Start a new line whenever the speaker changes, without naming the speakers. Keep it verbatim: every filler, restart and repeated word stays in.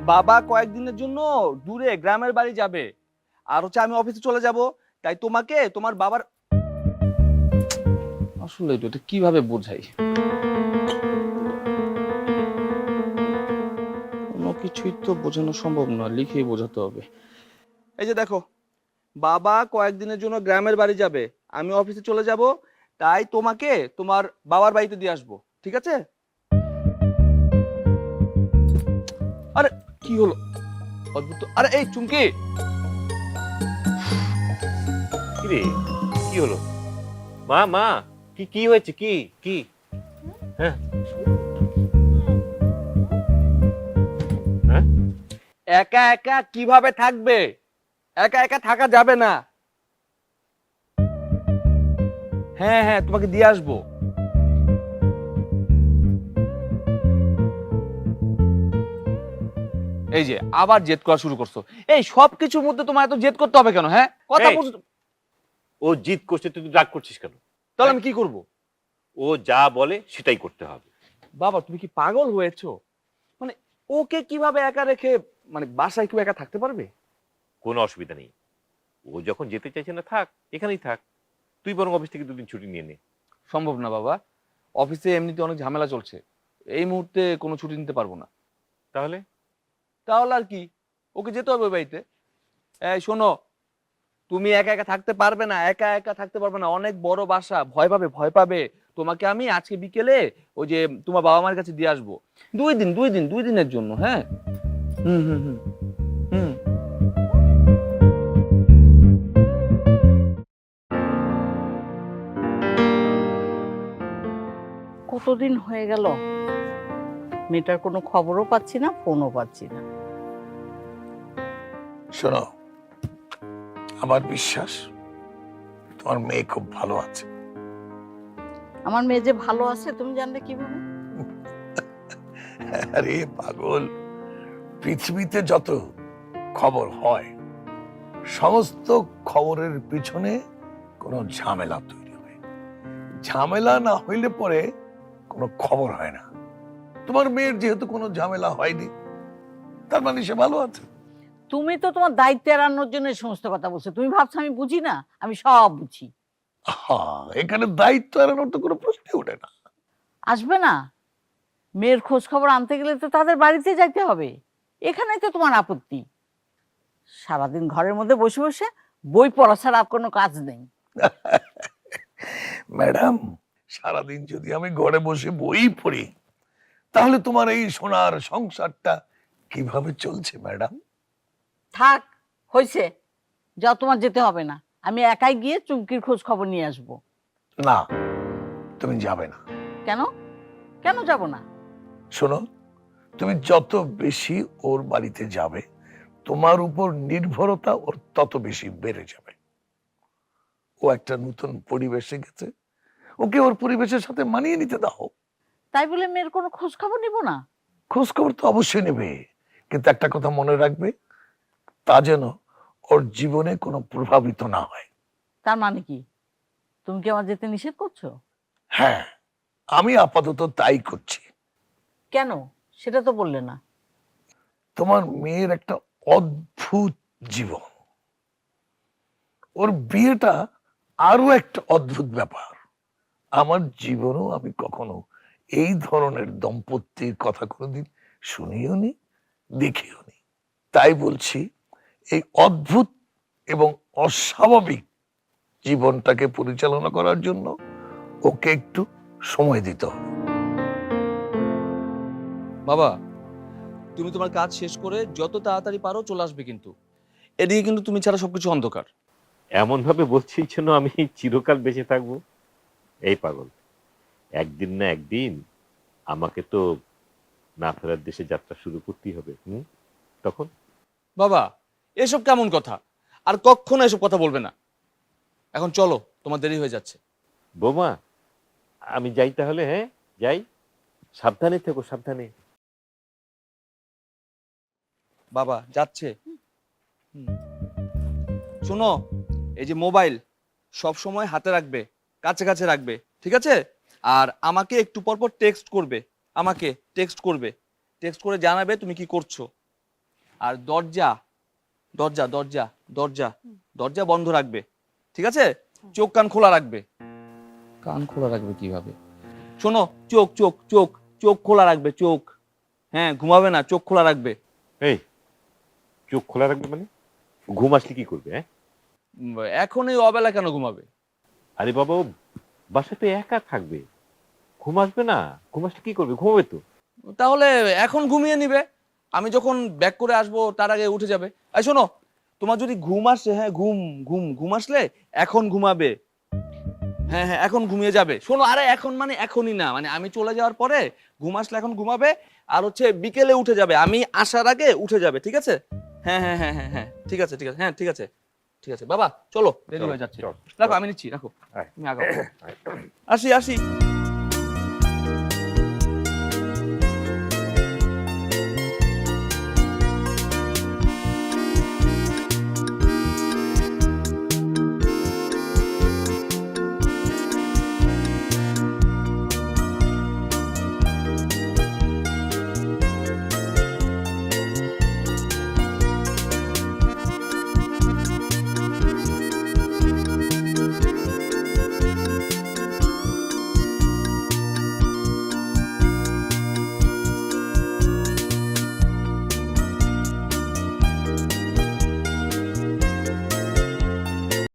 বাবা কয়েকদিনের জন্য দূরে গ্রামের বাড়ি যাবে, আর হচ্ছে আমি অফিসে চলে যাব, তাই তোমাকে তোমার বাবার আসলে এটা কিভাবে বোঝাই, কোনো কিছুই তো বোঝানো সম্ভব না, লিখেই বোঝাতে হবে। এই যে দেখো, বাবা কয়েকদিনের জন্য গ্রামের বাড়ি যাবে, আমি অফিসে চলে যাব, তাই তোমাকে তোমার বাবার বাড়িতে দিয়ে আসবো, ঠিক আছে? আরে কি হলো, অদ্ভুত। আরে এই চুমকি,
কি রে, কি হলো? মা মা, কি কি হয়েছে? কি কি? হ্যাঁ হ্যাঁ,
একা একা কিভাবে থাকবে? একা একা থাকা যাবে না। হ্যাঁ হ্যাঁ, তোমাকে দিয়ে আসবো। এই যে আবার জেদ করা শুরু করছো। এই সব কিছুর মধ্যে তোমার এত জেদ করতে হবে কেন? হ্যাঁ, কথা
এই,
বুঝ-
ও জিদ করছে, তুই রাগ করছিস কেন?
তাহলে আমি কি করব?
ও যা বলে সেটাই করতে হবে।
বাবা তুমি কি পাগল হয়েছো? মানে ওকে কিভাবে একা রেখে, মানে বাসায় কেউ একা থাকতে পারবে?
কোনো অসুবিধা নেই, ও যখন যেতে চাইছে না থাক, এখানেই থাক। তুই বরং অফিস থেকে দুদিন ছুটি নিয়ে নে।
সম্ভব না বাবা, অফিসে এমনিতে অনেক ঝামেলা চলছে, এই মুহূর্তে কোনো ছুটি নিতে পারবো না।
তাহলে
তাহলে আর কি, ওকে যেতে হবে ওই বাড়িতে। এই শোনো, তুমি একা একা থাকতে পারবে না, একা একা থাকতে পারবে না, অনেক বড় বাসা, ভয় পাবে ভয় পাবে। তোমাকে আমি আজকে বিকেলে ওই যে তোমার বাবা মার কাছে দিয়ে আসবো, দুই দিন দুই দিন দুই দিনের জন্য। হ্যাঁ, হুম হুম হুম হুম।
কতদিন হয়ে গেল, মেয়েটার কোনো খবরও পাচ্ছি না, ফোনও পাচ্ছি না।
শোনো, আমার বিশ্বাস তোমার মেয়ে খুব ভালো আছে।
আমার মেয়ে যে ভালো আছে তুমি জানলে কিভাবে?
আরে পাগল, পৃথিবীতে যত খবর হয় সমস্ত খবরের পিছনে কোনো ঝামেলা তৈরি হয়, ঝামেলা না হইলে পরে কোনো খবর হয় না। তোমার মেয়ের যেহেতু কোনো ঝামেলা হয়নি, তার মানে সে ভালো আছে।
তুমি তো তোমার দায়িত্ব এড়ানোর জন্য এই সমস্ত কথা বলছো। তুমি ভাবছো আমি বুঝি না? আমি সব বুঝি।
হ্যাঁ, এখানে দায়িত্ব এড়ানোর তো কোনো প্রশ্নই ওঠে না।
আসবে না? মেয়ের খোঁজ খবর আনতে গেলে তো তাদের বাড়িতে যাইতে হবে। এখানেই তো তোমার আপত্তি। সারাদিন ঘরের মধ্যে বসে বসে বই পড়া ছাড়া আর কোনো কাজ নেই।
ম্যাডাম, সারাদিন যদি আমি ঘরে বসে বই পড়ি, তাহলে তোমার এই সোনার সংসারটা কিভাবে চলছে ম্যাডাম?
থাক, হয়েছে, যাও, তোমার যেতে হবে না। আমি একাই গিয়ে চুমকির খোঁজ খবর নিয়ে আসবো।
না, তুমি যাবে না।
কেন? কেন যাব না?
শোনো, তুমি যত বেশি ওর বাড়িতে যাবে, তোমার উপর নির্ভরতা ওর তত বেশি বেড়ে যাবে। ও একটা নতুন পরিবেশে গেছে, ওকে ওর পরিবেশের সাথে মানিয়ে নিতে দাও।
তাই বলে মেয়ের কোনো খোঁজ খবর নিব না?
খোঁজ খবর তো অবশ্যই নেবে, কিন্তু একটা কথা মনে রাখবে, তা যেন ওর জীবনে কোনো প্রভাবিত না হয়।
তার মানে কি? তুমি কি আমার যেতে নিষেধ করছো?
হ্যাঁ, আমি আপাতত তাই করছি।
কেন সেটা তো বললে না।
তোমার মেয়ের একটা অদ্ভুত জীবন, ওর বিয়েটা আরো একটা অদ্ভুত ব্যাপার। আমার জীবনেও আমি কখনো এই ধরনের দম্পতির কথা কোনোদিন শুনিও নি, দেখিও নি। তাই বলছি, এই অদ্ভুত এবং অস্বাভাবিক জীবনটাকে পরিচালনা করার জন্য ওকে একটু সময় দিতে হবে।
বাবা তুমি তোমার কাজ শেষ করে যত তাড়াতাড়ি পারো চলে আসবে, কিন্তু এদিকে কিন্তু তুমি ছাড়া সবকিছু অন্ধকার।
এমন ভাবে বলছিস যেন আমি চিরকাল বেঁচে থাকবো। এই পাগল, একদিন না একদিন আমাকে তো না ফেরার দেশে যাত্রা শুরু করতেই হবে। হুম, তখন
বাবা এসব কেমন কথা? আর কখনো এসব কথা বলবে না। এখন চলো, তোমার দেরি হয়ে যাচ্ছে।
বোমা, আমি যাই তাহলে। হ্যাঁ যাই, সাবধানে থেকো, সাবধানে।
বাবা যাচ্ছে। হুম। শোনো, এই যে মোবাইল সব সময় হাতে রাখবে, কাছে কাছে রাখবে, ঠিক আছে? আর আমাকে একটু পর পর টেক্সট করবে, আমাকে টেক্সট করবে, টেক্সট করে জানাবে তুমি কি করছো। আর দরজা দরজা দরজা দরজা দরজা বন্ধ রাখবে, ঠিক আছে? চোখ কান খোলা রাখবে। কান খোলা রাখবে কিভাবে? শোনো, চোখ চোখ চোখ চোখ খোলা রাখবে, চোখ। হ্যাঁ, ঘুমাবে না, চোখ খোলা রাখবে।
এই চোখ খোলা রাখবে মানে? ঘুম আসলে কি করবে? হ্যাঁ,
উম, এখন এই অবেলা কেন ঘুমাবে?
আরে বাবা, ও বাসায় তো একা থাকবে, ঘুম আসবে না? ঘুম আসলে কি করবে? ঘুমাবে তো।
তাহলে এখন ঘুমিয়ে নিবে, আমি যখন ব্যাক করে আসবো তার আগে উঠে যাবে। এই শোনো, তোমার যদি ঘুম আসে, হ্যাঁ ঘুম ঘুম ঘুম আসলে এখন ঘুমাবে। হ্যাঁ হ্যাঁ, এখন ঘুমিয়ে যাবে। শোনো, আরে এখন মানে এখনই না, মানে আমি চলে যাওয়ার পরে ঘুম আসলে এখন ঘুমাবে, আর হচ্ছে বিকেলে উঠে যাবে, আমি আসার আগে উঠে যাবে, ঠিক আছে? হ্যাঁ হ্যাঁ হ্যাঁ হ্যাঁ হ্যাঁ, ঠিক আছে ঠিক আছে, হ্যাঁ ঠিক আছে ঠিক আছে। বাবা চলো, দেরি
চলো,
হয়ে যাচ্ছে।
চল,
রাখো,
চল।
আমি নিচ্ছি, রাখো।
আয়।
তুমি আগাও। আসি আসি।